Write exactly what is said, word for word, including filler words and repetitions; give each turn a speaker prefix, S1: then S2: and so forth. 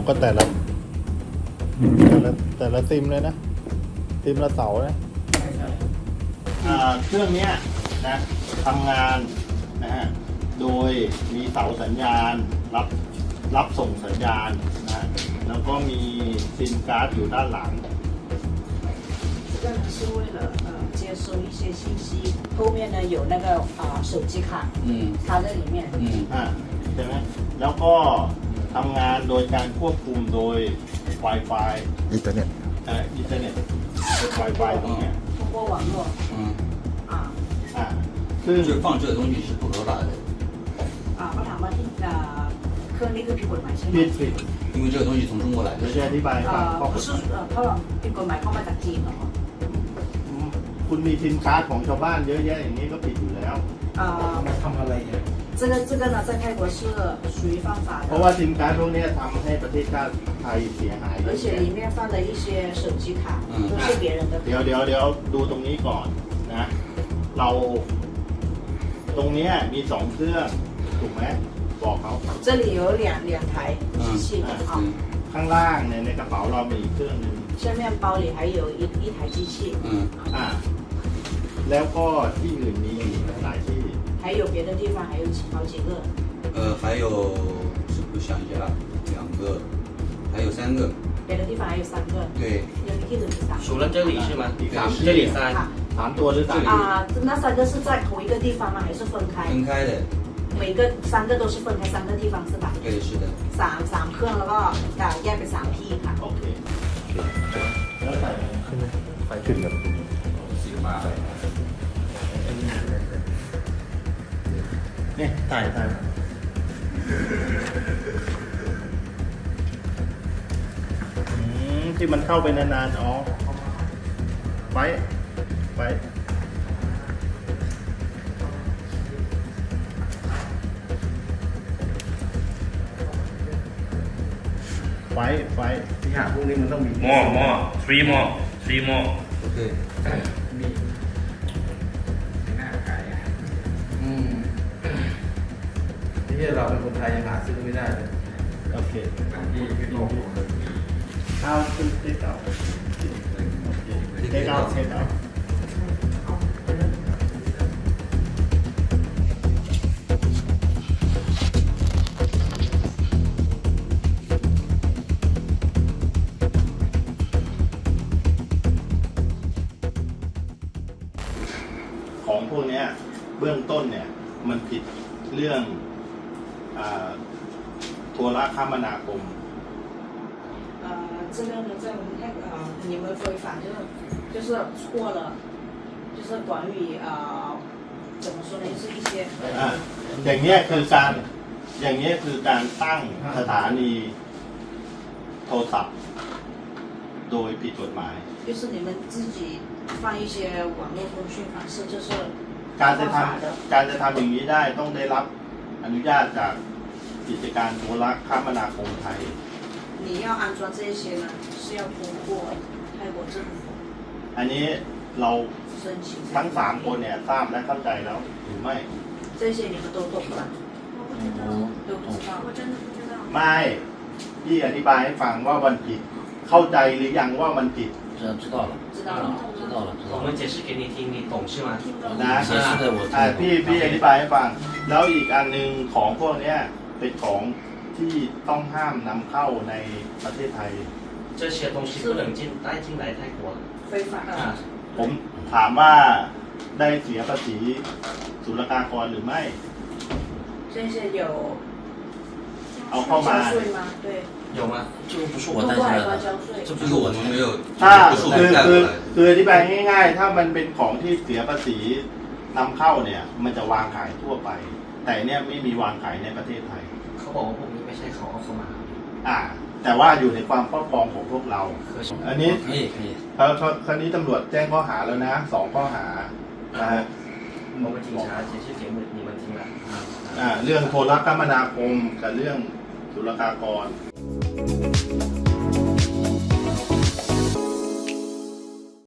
S1: ก็แต่ละแต่ละแต่ละซิมเลยนะซิมละเสานะเครื่องนี้นะทำงานนะฮะโดยมีเสาสัญญาณรับรับส่งสัญญาณนะแล้วก็มีซิมการ์ดอยู่ด้านหลัง
S2: 这个呢是为了呃接收一些信息，后面呢有那个啊、呃、手机卡，嗯，插在里面，嗯，
S1: อ่าใช่ไหมแล้วก็ทำงานโดยการควบคุมโดย Wi-Fi
S3: อินเทอร์เน็ต
S1: เอ่ออินเทอร์เน็ต Wi-Fi ตรงเนี้ย
S2: 通过网络，
S4: 嗯，
S2: 啊
S1: อ่าซึ่ง
S4: 就是放这个东西是不合法的，
S2: 啊，เขาถามว่าที่อ่าเครื่องนี้คือผิดกฎหมายใช่ไหม
S1: ผิดผิด
S4: 因为这个东西从中国来的
S1: เดี๋ยว。จะอธิบายให้ฟัง
S2: อ่า
S1: ข้อก
S2: 不
S1: ฎ
S2: 是
S1: หมาย
S2: 呃เพราะว่าผิดกฎหมายเข้ามาจากจีนเหรอ
S1: คุณมีซิมการ์ดของชาวบ้านเยอะแยะอย่างนี้ก็ผิดอยู่แล้ว
S2: อ่า
S5: ทำอะไรเนี่ย
S2: 这个这个呢在泰国是属于犯法
S1: เพราะว่า
S2: 的，
S1: ซิมการ์ดพวกนี้ทำให้ประเทศชาติไทยเสียหายเย
S2: 而
S1: อะ
S2: 且
S1: แยะ
S2: 里面放的一些手机卡都是别人的。
S1: เดี๋ยวเดี๋ยวเดี๋ยวดูตรงนี้ก่อนนะเราตรงเนี้ยมีสองเครื่องถูกไหมบอกเขา
S2: 这里有两两台机器啊，
S4: 嗯
S1: ข้างล่างเนี่ยในกระเป๋าเรามีอีกเครื่องหนึง
S2: 下面包里还有一一台机器，
S4: 嗯，
S1: อ่าแล้วก็ที่อื่นมีหลายที่
S2: 还有别的地方还有好几个。
S4: 呃，还有是不是想一下，两个，还有三个，
S2: 别的地方还有三个，
S4: 对，
S2: 有一个是三
S6: 除了这里是吗？
S1: อีกสามที่
S6: 这里三，
S1: สามตัวหรือสาม
S2: 啊，那三个是在同一个地方吗？还是分开？
S4: 分开的，
S2: 每个三个都是分开三个地方是吧？
S4: 对，是的。
S2: สามสามเครื่องแล้วก็อ่าแยกเป็นสามที่ค่ะ
S1: โอเคแล้วใส่
S3: ขึ้นไหมไฟขึ้นครับ
S1: เนี่ยถ่ายถ่ายอืมที่มันเข้าไปนานๆอ๋อไว้ไว้ไฟไฟ
S5: ที่หาพวกนี้มันต้องมี
S7: more more three more three more
S4: OK，
S5: มีหน้าขายอ่ะ
S4: 嗯，
S5: ที่เราเป็นคนไทยยังหาซื้อไม่ได้เลย
S1: โอเค
S5: ที่ที่โลก
S1: เอาคือเทคเอาเทคเอาเทคเอาของพวกนี้เบื้องต้นเนี่ยมันผิดเรื่องอาโทรคมนาคม
S2: 呃，这个呢，在我们泰国啊，你们违反就是就是错了，就是关于啊、呃，怎么说呢，就是一些
S1: อ่ะอย่างเนี้ยคือการอย่างเนี้ยคือการตั้งสถานีโทรศัพท์โดยผิดกฎหมาย
S2: 就是你们自己放一些网络通讯方式，就是
S1: การจะท
S2: 犯法的。
S1: ำการจะทำอย่างนี้ได้ต้องได้รับอนุญาตจากกิจการโทรคมนาคมไทย
S2: 你要安装这些呢，是要通过泰国政府
S1: อันนี้เรา
S2: 申请。
S1: ทั้งสามคนเนี่ยทราบและเข้าใจแล้วหรือไม่
S2: 这些你们都懂吧？都不知道。我真的不知道。
S1: ไม่พี่อธิบายให้ฟังว่ามันผิดเข้าใจหรือยังว่ามันผิด
S6: 知知道了，
S2: 知道了
S6: 知道了，知道了。我们解释给你听，你懂是吗？
S1: นะ
S6: 解释的我听
S1: อ่า
S6: 懂。
S1: พี่พี่อธิบายให้ฟัง แล้วอีกอันหนึ่งของพวกเนี้ยเป็นของที่ต้องห้ามนำเข้าในประเทศไทย
S6: 这些东西不能进带进来泰国
S2: 非法
S6: 啊
S2: 啊。。
S1: ผมถามว่าได้เสียภาษีศุลกากรหรือไม่
S2: 这些有
S1: เอาเข้ามา
S2: 交税吗？对，
S6: 有吗？这个不是我
S2: 通
S6: 带进来
S2: 过海关交
S6: 的，
S2: 税。
S6: 这不
S4: 这个我们没有，
S1: ถ้า
S4: 不是我
S1: คือ
S4: 们带
S1: คือ
S4: 过来的。
S1: คืออธิบายง่ายๆ ถ้ามันเป็นของที่เสียภาษีนำเข้าเนี่ยมันจะวางขายทั่วไป แต่เนี่ยไม่มีวางขายในประเทศไทย
S6: เขาบอกว่าพวกนี้ไม่ใช่เขาเอาเข้ามา
S1: อ่า แต่ว่าอยู่ในความครอบครองของพวกเรา อันนี้
S6: 可以可以。
S1: คราวคราวนี้ตำรวจแจ้งข้อหาแล้วนะสองข้อหานะฮะ
S6: 我们警察解释给你们听了。
S1: อ่าเรื่องโทรคมนาคมกับเรื่องศุลกากร
S6: 嗯